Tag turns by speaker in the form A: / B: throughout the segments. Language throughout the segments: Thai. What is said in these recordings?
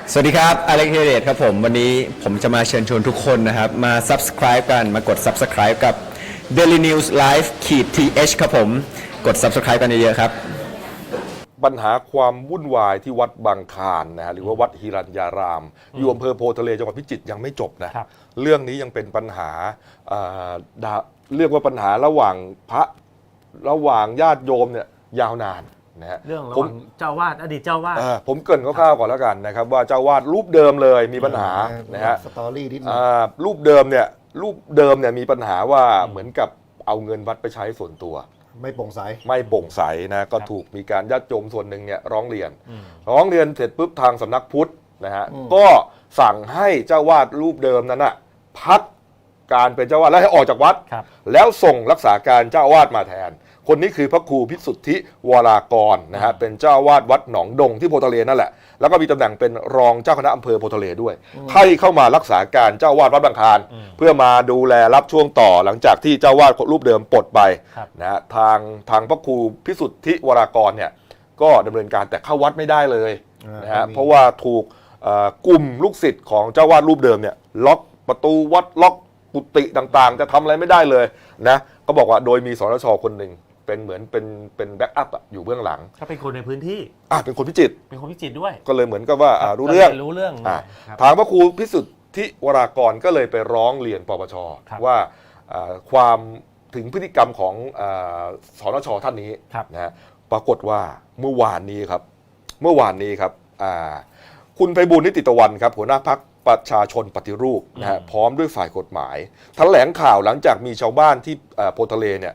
A: สวัสดีครับอเล็กเฮเดตครับผมวันนี้ผมจะมาเชิญชวนทุกคนนะครับมา subscribe กันมากด subscribe กับ Daily News Live th ครับผมกด subscribe กันเยอะๆครับ
B: ปัญหาความวุ่นวายที่วัดบางคลานนะฮะหรือว่าวัดหิรัญญารามอยู่อำเภอโพธิ์ทะเลจังหวัดพิจิตรยังไม่จบนะเรื่องนี้ยังเป็นปัญหาเรียกว่าปัญหาระหว่างญาติโยมเนี่ยยาวนานนะฮะ
C: เรื่องระหว่างเจ้าวาดอดีตเจ้าวาด
B: ผมเกริ่นคร่าวๆก่อนแล้วกันนะครับว่าเจ้าวาดรูปเดิมเลยมีปัญหานะฮะ
D: สตอรี่นิดนึง
B: รูปเดิมเนี่ยมีปัญหาว่าเหมือนกับเอาเงินวัดไปใช้ส่วนตัว
D: ไม่โปร่งใส
B: นะก็ถูกมีการญาติโยมส่วนหนึ่งเนี่ยร้องเรียนเสร็จปุ๊บทางสำนักพุทธนะฮะก็สั่งให้เจ้าวาดรูปเดิมนั้นน่ะพักการเป็นเจ้าวาดแล้วให้ออกจากวัดแล้วส่งรักษาการเจ้าวาดมาแทนคนนี้คือพระครูพิสุทธิวรากรนะฮะเป็นเจ้าวาดวัดหนองดงที่โพธิ์ทะเลนั่นแหละแล้วก็มีตำแหน่งเป็นรองเจ้าคณะอำเภอโพธิ์ทะเลด้วยให้เข้ามารักษาการเจ้าวาดวัดบางคลานเพื่อมาดูแลรับช่วงต่อหลังจากที่เจ้าวาดรูปเดิมปลดไปนะฮะทางพระครูพิสุทธิวรากรเนี่ยก็ดำเนินการแต่เข้าวัดไม่ได้เลยนะฮะเพราะว่าถูกกลุ่มลูกศิษย์ของเจ้าวาดรูปเดิมเนี่ยล็อกประตูวัดล็อกกุฏิต่างๆจะทำอะไรไม่ได้เลยนะก็บอกว่าโดยมีสนช.คนหนึ่งเป็นเหมือนเป็นแบ็กอัพอยู่เบื้องหลัง
C: เขาเป็นคนในพื้นที่
B: เป็นคนพิจิตร
C: ด้วย
B: ก็เลยเหมือนกับว่ารู้เรื่องทางพระครูพิสุทธิวรากรก็เลยไปร้องเรียนปปช.ว่าความถึงพฤติกรรมของสนช.ท่านนี้นะฮะปรากฏว่าเมื่อวานนี้ครับคุณไพบูลย์ นิติตะวันครับหัวหน้าพรรคประชาชนปฏิรูปนะฮะพร้อมด้วยฝ่ายกฎหมายแถลงข่าวหลังจากมีชาวบ้านที่โพธิ์ทะเลเนี่ย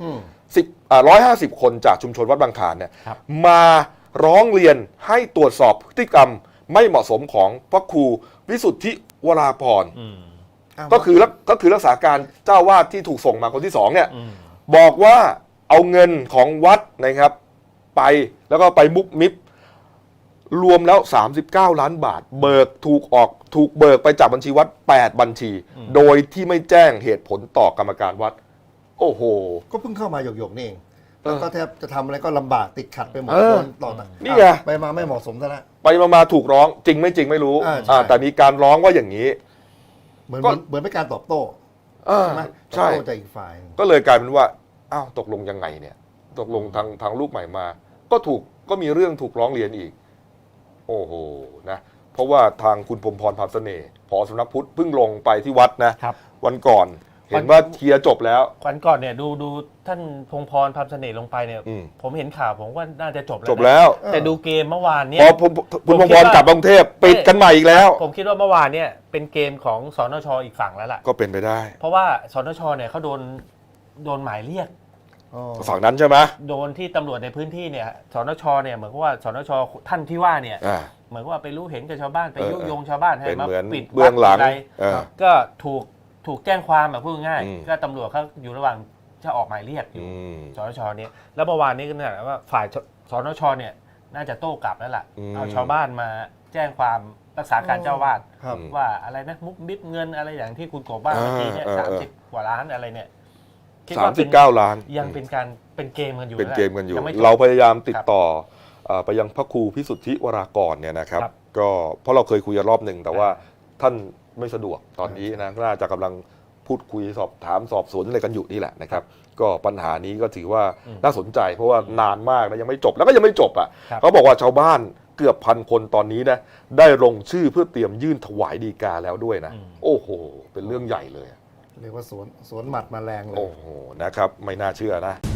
B: 150 คนจากชุมชนวัดบางคลานเนี่ยมาร้องเรียนให้ตรวจสอบพฤติกรรมไม่เหมาะสมของพระครูวิสุทธิวราพรก็คือรักษาการเจ้าวาดที่ถูกส่งมาคนที่2เนี่ยบอกว่าเอาเงินของวัดนะครับไปแล้วก็ไปมุกมิบรวมแล้ว39 ล้านบาทถูกเบิกไปจากบัญชีวัด8บัญชีโดยที่ไม่แจ้งเหตุผลต่อกรรมการวัดโอ้โห
D: ก็เพิ่งเข้ามาหยกๆนี่เองแล้วก็แทบจะทำอะไรก็ลำบากติดขัดไปหมดต่อ
B: นี่ไง
D: ไปมาไม่เหมาะสมซะแล้ว
B: ไปมาถูกร้องจริงไม่รู้แต่มีการร้องว่าอย่างนี้
D: เหมือนเป็นการตอบโต้ใช่ไหมใช่จากอีกฝ่าย
B: ก็เลยกลายเป็นว่าอ้าวตกลงยังไงเนี่ยตกลงทางลูกใหม่มาก็มีเรื่องถูกร้องเรียนอีกโอ้โหนะเพราะว่าทางคุณพรหมพร พรามเสน่ห์ผอ.สำนักพุทธเพิ่งลงไปที่วัดนะวันก่อนเห็นว่าเคลียร์จบแล้ว
C: วันก่อนเนี่ยดูท่านพงษ์พร พรามเสน่ห์ลงไปเนี่ยผมเห็นข่าวผมว่าน่าจะจบ
B: แล้ว
C: แต่ดูเกมเมื่อวานเนี่ย
B: พอคุณพงษ์พรกลับกรุงเทพปิดกันใหม่อีกแล้ว
C: ผมคิดว่าเมื่อวานเนี่ยเป็นเกมของสนช.อีกฝั่งแล้วล่ะ
B: ก็เป็นไปได้
C: เพราะว่าสนช.เนี่ยเขาโดนหมายเรียก
B: ฝั่งนั้นใช่ไหม
C: โดนที่ตำรวจในพื้นที่เนี่ยสนช.เนี่ยเหมือนกับว่าสนช.ท่านที่ว่าเนี่ยเหมือนว่าไปรู้เห็นกับชาวบ้านไปยุยงชาวบ้านให้มาปิด
B: เบื้องหลัง
C: ก็ถูกแจ้งความแบบพูดง่ายก็ตำรวจเขาอยู่ระหว่างจะออกหมายเรียกอยู่สนช.เนี่ยแล้วเมื่อวานนี้ก็เนี่ยว่าฝ่ายสนช.เนี่ยน่าจะโต้กลับแล้วล่ะเอาชาวบ้านมาแจ้งความรักษาการเจ้าวาดว่าอะไรนะมุกมิบเงินอะไรอย่างที่คุณกบบ้านเมื่อกี้เนี่ย30 กว่าล้านอะไรเนี่ย
B: 39 ล้าน
C: ยังเป็นเกมกันอยู่
B: เราพยายามติดต่อไปยังพระครูพิสุทธิวรากรเนี่ยนะครับก็เพราะเราเคยคุยกันรอบหนึ่งแต่ว่าท่านไม่สะดวกตอนนี้นะน่าจะกำลังพูดคุยสอบสวนอะไรกันอยู่นี่แหละนะครับก็ปัญหานี้ก็ถือว่าน่าสนใจเพราะว่านานมากแล้วยังไม่จบแล้วก็ยังไม่จบอ่ะเขาบอกว่าชาวบ้านเกือบ1,000 คนตอนนี้นะได้ลงชื่อเพื่อเตรียมยื่นถวายฎีกาแล้วด้วยนะโอ้โหเป็นเรื่องใหญ่เลย
D: เรียกว่าสวนหมัดมาแรงเลย
B: โอ้โหนะครับไม่น่าเชื่อนะ